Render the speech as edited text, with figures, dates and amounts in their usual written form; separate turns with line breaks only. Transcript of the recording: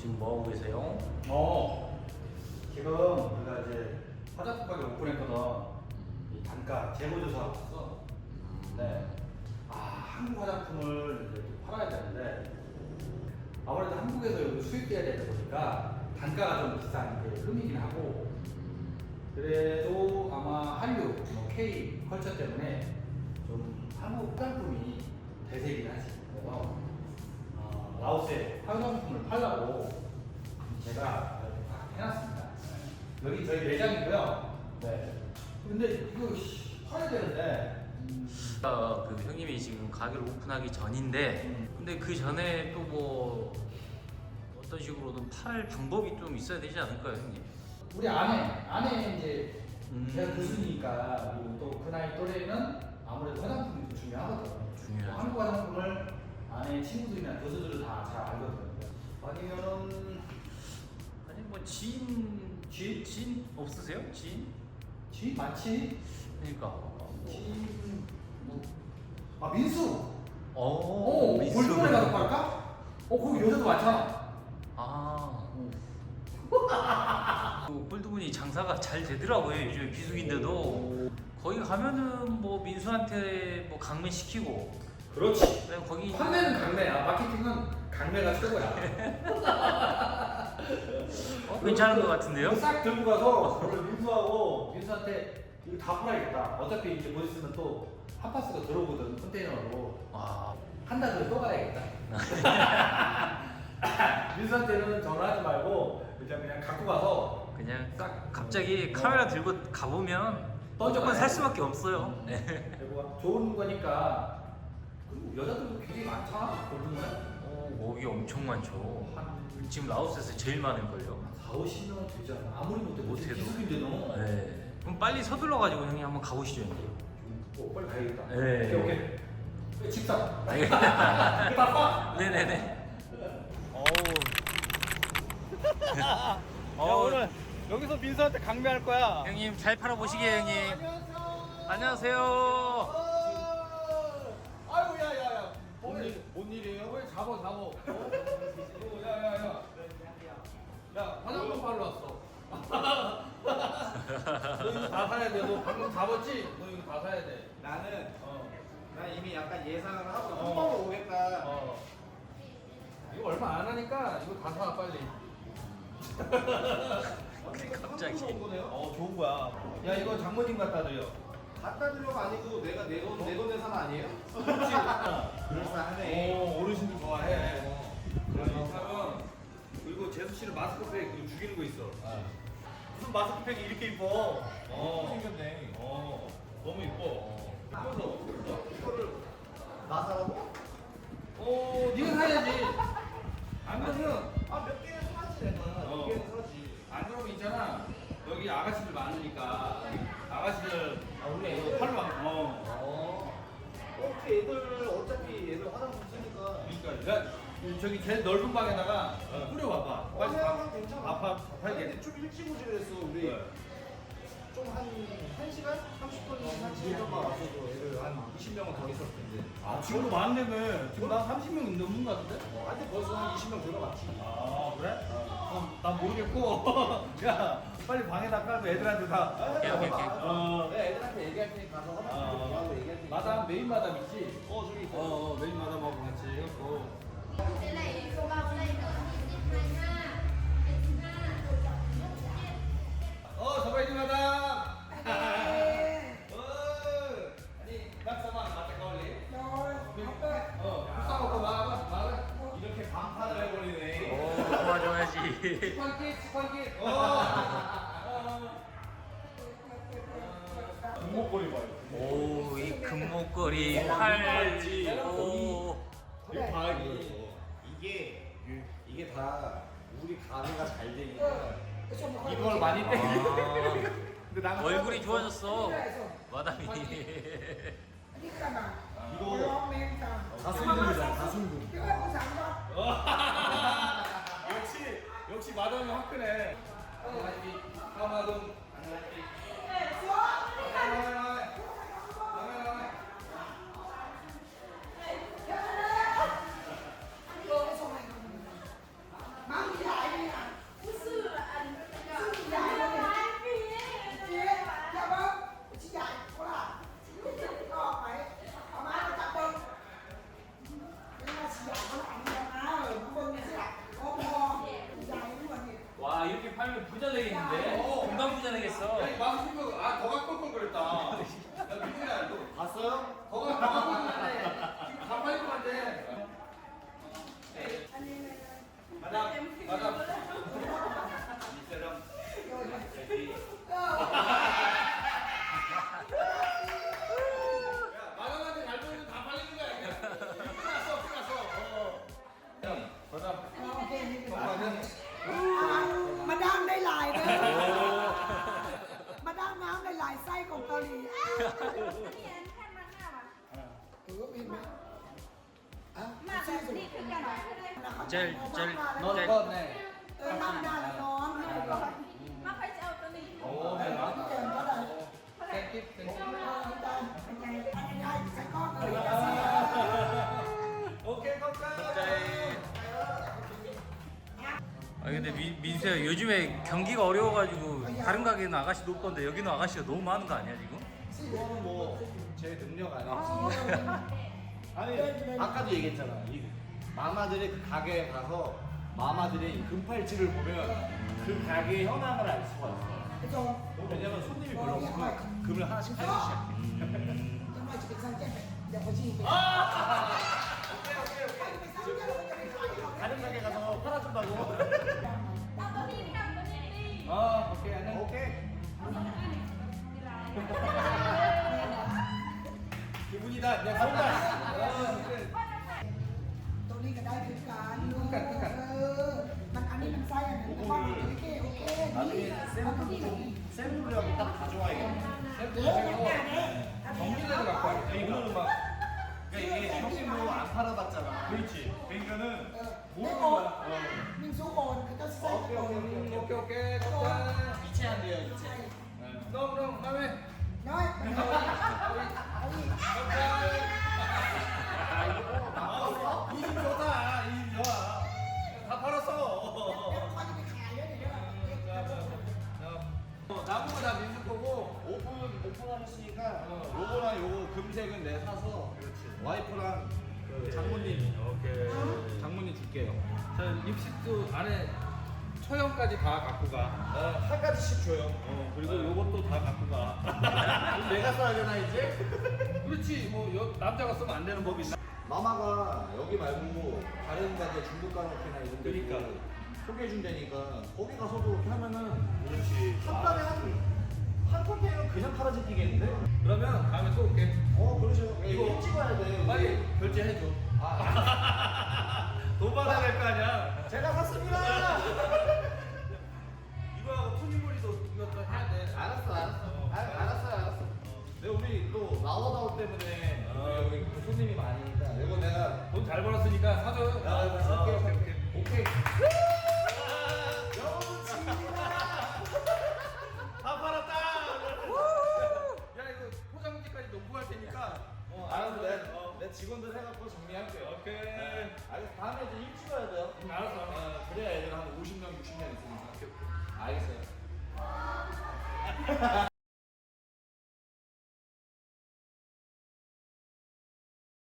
지금 뭐 하고 계세요?
지금 우리가 이제 화장품 가게 오픈했거든. 이 단가 재고조사 하고 있어. 네. 한국 화장품을 이제 또 팔아야 되는데 아무래도 한국에서 여기 수입돼야 되다 보니까 단가가 좀 비싼 게 흠이긴 하고, 그래도 아마 한류, K 컬처 때문에 좀 한국 화장품이 대세이긴 하지. 그래서 라오스에 화장품을 팔라고 제가 이렇게 딱 해놨습니다. 여기 저희 매장이고요. 네. 근데 이거 팔아야 되는데.
그 형님이 지금 가게를 오픈하기 전인데 근데 그 전에 또 뭐 어떤 식으로든 팔 방법이 좀 있어야 되지 않을까요, 형님?
우리 아내 이제 제가 교수니까, 그리고 또 그 나이 또래는 아무래도 화장품이 더 중요하거든.
중요하죠.
한국 화장품을 아내 친구들이나 교수들은 다 잘 알거든. 아니면은
아니 뭐 지인 없으세요? 지인?
많지.
그러니까
지인 민수.
민수.
골드문에 가서 팔까? 거기 여자도 많잖아.
그 골드문이 장사가 잘 되더라고요. 요즘 비수기인데도 거기 가면은 뭐 민수한테 뭐 강매 시키고.
그렇지.
그다음 거기
판매는 강매야. 마케팅은 강매가 최고야.
괜찮은 것 같은데요?
싹 들고 가서 오늘 민수한테 이거 다 팔아야겠다. 어차피 이제 곧 있으면 또 핫파스가 들어오거든, 컨테이너로. 한 달 후에 또 가야겠다. 민수한테는 전화하지 말고 그냥 갖고 가서
그냥
싹
갑자기 카메라 들고 가보면
던져봐요.
무조건 살 수밖에 없어요.
그리고 좋은 거니까. 그리고 여자들도 굉장히 많잖아, 골든문에.
거기 엄청 많죠. 지금 라오스에서 제일 많을걸요.
4, 50명 되잖아. 아무리
못해도.
기숙인데 너.
네. 그럼 빨리 서둘러가지고 형님 한번 가보시죠, 형님.
빨리 가야겠다.
네.
오케이. 집사.
알겠습니다.
바빠.
네네네.
야, 오늘 여기서 민수한테 강매할 거야.
형님 잘 팔아보시게 형님. 안녕하세요.
아이고, 야야야.
뭔 일이에요?
왜 잡어. 야야야. 야, 화장품 팔러 왔어. 너 이거 다 사야 돼. 너 방금 잡았지? 너 이거 다 사야 돼.
나는 난 이미 약간 예상을 하고
어.
한 번에 오겠다.
이거 얼마 안 하니까 이거 다 사, 빨리.
갑자기.
좋은 거야.
야, 이거 장모님 갖다 드려.
갖다 드려가 아니고 내가 내돈 내산 아니에요?
그렇지.
그럴싸하네.
어르신들 좋아해. 그러면 그리고 재수 씨는 마스크팩 이거 죽이는 거 있어.
무슨 마스크팩이 이렇게 이뻐?
어.
생겼네.
너무 이뻐. 그래서
이거를 나 사라고?
네가 사야지. 안 그러면
몇 개는 사지 내가. 몇 개는 사지.
안 그러면 있잖아. 여기 아가씨들 많으니까 아가씨들 원래 이거 팔로
애들 어차피 애들 화장품 쓰니까.
그러니까 야, 저기 제일 넓은 방에다가 뿌려와봐. 빨리
그냥 괜찮아.
아파게.
근데 좀 일찍 오지 그랬어. 우리
네.
좀 한 1시간? 30분 한 시간 왔어도 애들 한 20명은 더 있었을 텐데.
지금도 많은데며. 지금 난 30명 넘는 거 같은데?
한테 벌써 한 20명 들어갔지.
그래? 그럼 난 모르겠고. 야, 빨리 방에다 깔고 애들한테 다.
오케이.
내가 애들한테 얘기할 테니까 가서 화장품 하고 얘기할 테니까.
마담, 메인 마담 있지?
저기 있어.
메인 마담하고 같이 해갖고.
Cái này cô bao đây nữa thì 22, 25,
서바이드 마담! 아니, 낙서만 맞다 걸리? 싸우고 마.
이렇게 반판을 해버리네.
도와줘야지.
스펀기.
금목걸이 봐요.
이 금목걸이 팔.
이거 봐 이게 다 우리 가게가 잘 되니까
이걸 많이 때. 근데 나는
얼굴이 좋아졌어. 마담이.
이거 다순금이잖아 다순금.
역시 마담이 화끈해. 가마돈.
Mang đi lại
ายไส้ของเกาหลี
นี่อันท่านมาหน้าว่ะ
เห็นไหมอ่ะ
มาแบบนี้คือกันไหน
제일
นอน
제일
ก้อนแน่
นั่งได้แล้วนอน
มาใครจะเอาตัวนี้
โอ้แม่รัก
เก่งก็ได้
แกงกิ๊บแกงกิ๊บ
เป็นไงใส่ก้อนเลย
โอเคเข้าใจ
아 근데 민수야 요즘에 경기가 어려워가지고 다른 가게는 아가씨도 없던데 여기는 아가씨가 너무 많은 거 아니야 지금?
이거는 뭐제 능력 아니야. 아니 아까도 얘기했잖아. 이 마마들의 그 가게에 가서 마마들의 이 금팔찌를 보면 그 가게의 현황을 알 수가 있어.
พี่โจ
왜냐면 손님이 별로 없으면 금을 하나씩 빼기 시작해.
ทำไมจะเป็นซันเจ็บเดี๋ยวเขาชี้ไป
다른 가게 가서 팔아준다고.
เอาตัวนี้กับตัวนี้ดิ
오케이 안녕. 오케이. 기분이다. 그냥 손다.
ตัวนี้ก็ได้คือการมันอันนี้มันไส้อันนั้นก็โอเคโอเคนี่
나중에 샘플이라고 딱 가져와야겠네.
정리대로 갖고 와야겠다.
이거는 막 그러니까 이게 형님 뭐 안 팔아봤잖아. 그렇지. 그러니까는
โอ้มิงซูโอนก็ใส่
오케이 오케이 오케이 오케이 이체 안 돼요 이체. 그럼 다음에
น้อยมันเอาอีก
이집 좋다. 이집 좋아. 다 팔았어.
แล้วเขาจะไปขายเยอะเดี๋ยว
남은 거 다 민수 거고 오픈하셨으니까 요거랑 요거 금색은 내가 사서 와이프랑 그 장모님 장모님 줄게요.
자, 립스틱도 안에 처형까지 다 갖고 가.
한 가지씩 줘요.
그리고 요것도 다 갖고 가.
내가 써야 되나 이제?
그렇지, 뭐 남자가 쓰면 안 되는 법이 있나?
마마가 여기 말고 다른 가게 중국 가라오케나 이런 데
그러니까.
소개해 준다니까 거기 가서도 이렇게 하면은
그렇지.
한 달에 한 컨테이너 그냥 팔아지겠는데?
그러면 다음에 또 올게.
그러죠.
이거
이거 찍어야 돼.
빨리 결제해줘. 돈 받아야 될 거 아니야.
제가 샀습니다.
이거하고 토니모리도 이것도 해야 돼.
알았어. 근데 우리 또 라워다운 때문에 여기 또 손님이 많으니까 이거 내가
돈 잘 벌었으니까 사줘요.
오케이.
다 팔았다. 야 이거 포장지까지 놓고 갈 테니까.
알았어. 내 직원들 해갖고 정리할게요.
오케이.
알겠어. 다음에 이제 일 찍어야 돼요.
알았어.
그래야 애들 한 50명, 60명 있으니까. 알겠어요.